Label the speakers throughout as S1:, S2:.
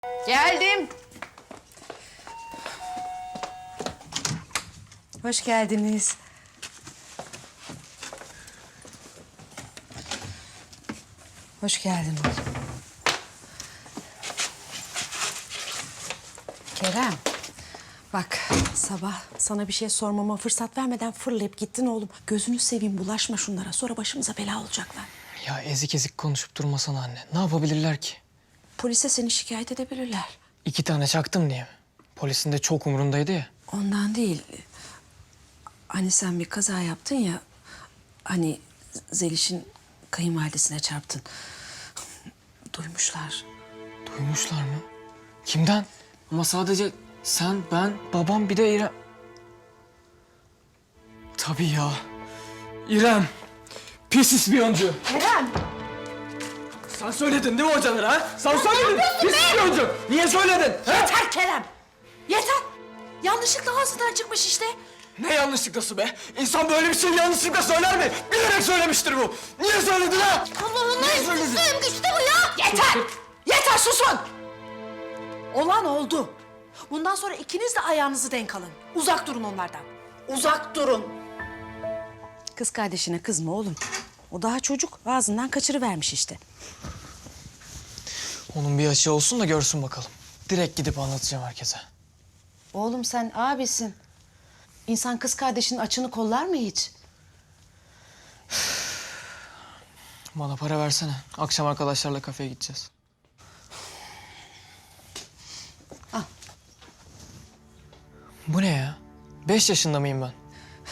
S1: Geldim. Hoş geldiniz. Hoş geldin oğlum. Kerem, bak sabah sana bir şey sormama fırsat vermeden fırlayıp gittin oğlum. Gözünü seveyim, bulaşma şunlara. Sonra başımıza bela olacaklar.
S2: Ya ezik ezik konuşup durmasana anne. Ne yapabilirler ki?
S1: Polise seni şikayet edebilirler.
S2: 2 tane çaktım diye mi? Polisin de çok umurundaydı ya.
S1: Ondan değil. Hani sen bir kaza yaptın ya. Hani Zeliş'in kayınvalidesine çarptın. Duymuşlar.
S2: Duymuşlar mı? Kimden? Ama sadece sen, ben, babam bir de İrem. Tabii ya. İrem. Pis ispiyoncu.
S1: Kerem!
S2: Sen söyledin değil mi hocalara ha? Sen söyledin. Pis ispiyoncu. Niye söyledin? Ha?
S1: Yeter Kerem! Yeter! Yanlışlıkla ağzından çıkmış işte.
S2: Ne yanlışlıkla be? İnsan böyle bir şey yanlışlıkla söyler mi? Bilerek söylemiştir bu. Niye söyledin ha?
S1: Allah'ım ne güçlü bu ya! Yeter! Yeter susun! Olan oldu. Bundan sonra ikiniz de ayağınızı denk alın. Uzak durun onlardan. Uzak durun. Kız kardeşine kızma oğlum. O daha çocuk. Ağzından kaçırıvermiş işte.
S2: Onun bir yaşı olsun da görsün bakalım. Direkt gidip anlatacağım herkese.
S1: Oğlum sen abisin. İnsan kız kardeşinin açını kollar mı hiç?
S2: Bana para versene. Akşam arkadaşlarla kafeye gideceğiz.
S1: Al.
S2: Bu ne ya? 5 yaşında mıyım ben?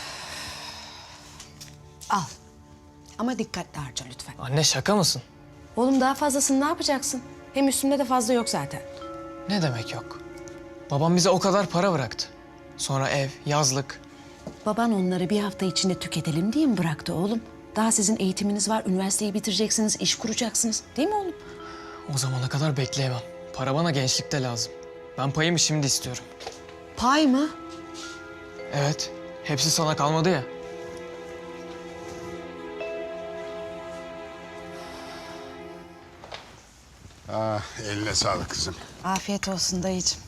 S1: Al. Ama dikkatli harca lütfen.
S2: Anne şaka mısın?
S1: Oğlum daha fazlasını ne yapacaksın? Hem üstümde de fazla yok zaten.
S2: Ne demek yok? Babam bize o kadar para bıraktı. Sonra ev, yazlık.
S1: Baban onları bir hafta içinde tüketelim diye mi bıraktı oğlum? Daha sizin eğitiminiz var, üniversiteyi bitireceksiniz, iş kuracaksınız. Değil mi oğlum?
S2: O zamana kadar bekleyemem. Para bana gençlikte lazım. Ben payımı şimdi istiyorum.
S1: Pay mı?
S2: Evet, hepsi sana kalmadı ya.
S3: Ah, eline sağlık kızım.
S1: Afiyet olsun dayıcığım.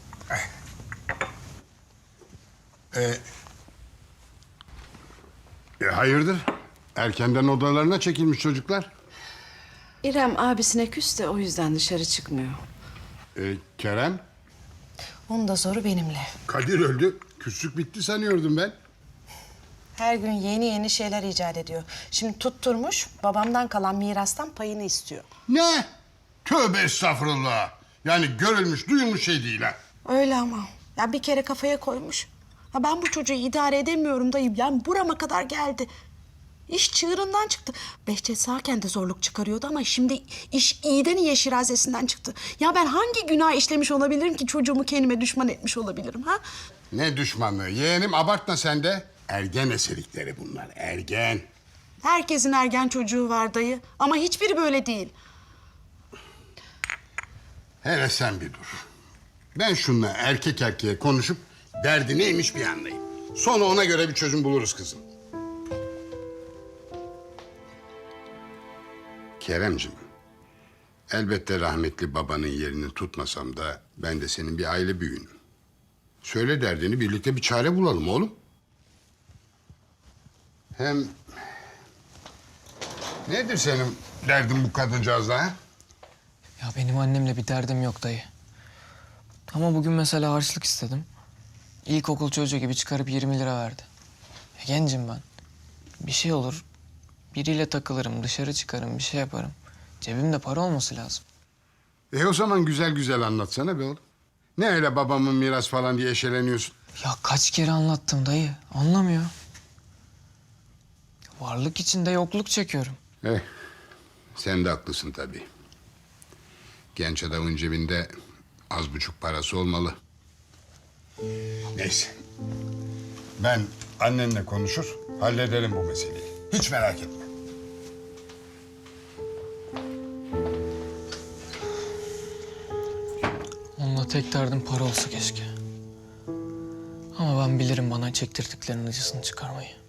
S3: Hayırdır? Erkenden odalarına çekilmiş çocuklar.
S1: İrem abisine küs de o yüzden dışarı çıkmıyor.
S3: Kerem,
S1: Onun da zoru benimle.
S3: Kadir öldü. Küslük bitti sanıyordum ben.
S1: Her gün yeni yeni şeyler icat ediyor. Şimdi tutturmuş, babamdan kalan mirastan payını istiyor.
S3: Ne? Tövbe estağfurullah. Yani görülmüş, duyulmuş şey değil ha.
S1: Öyle ama. Ya bir kere kafaya koymuş. Ha ben bu çocuğu idare edemiyorum dayı. Yani burama kadar geldi. İş çığırından çıktı. Behçet sağken de zorluk çıkarıyordu ama şimdi iş iyiden iyiye şirazesinden çıktı. Ya ben hangi günah işlemiş olabilirim ki çocuğumu kendime düşman etmiş olabilirim ha?
S3: Ne düşmanlığı? Yeğenim abartma sen de. Ergen eserikleri bunlar, ergen.
S1: Herkesin ergen çocuğu var dayı ama hiçbiri böyle değil.
S3: Hele sen bir dur. Ben şununla erkek erkeğe konuşup derdi neymiş bir anlayayım. Sonra ona göre bir çözüm buluruz kızım. Keremciğim, elbette rahmetli babanın yerini tutmasam da ben de senin bir aile büyüğünüm. Söyle derdini, birlikte bir çare bulalım oğlum. Hem nedir senin derdin bu kadıncağızla ha?
S2: Ya benim annemle bir derdim yok dayı. Ama bugün mesela harçlık istedim. İlkokul çocuğu gibi çıkarıp 20 lira verdi. Gencim ben. Bir şey olur. Biriyle takılırım, dışarı çıkarım, bir şey yaparım. Cebimde para olması lazım.
S3: O zaman güzel güzel anlatsana be oğlum. Ne öyle babamın miras falan diye eşeleniyorsun?
S2: Ya kaç kere anlattım dayı. Anlamıyor. Varlık içinde yokluk çekiyorum.
S3: Sen de haklısın tabii. Genç adamın cebinde az buçuk parası olmalı. Neyse. Ben annenle konuşur, hallederim bu meseleyi. Hiç merak etme.
S2: Onunla tek derdim para olsa keşke. Ama ben bilirim bana çektirdiklerinin acısını çıkarmayı.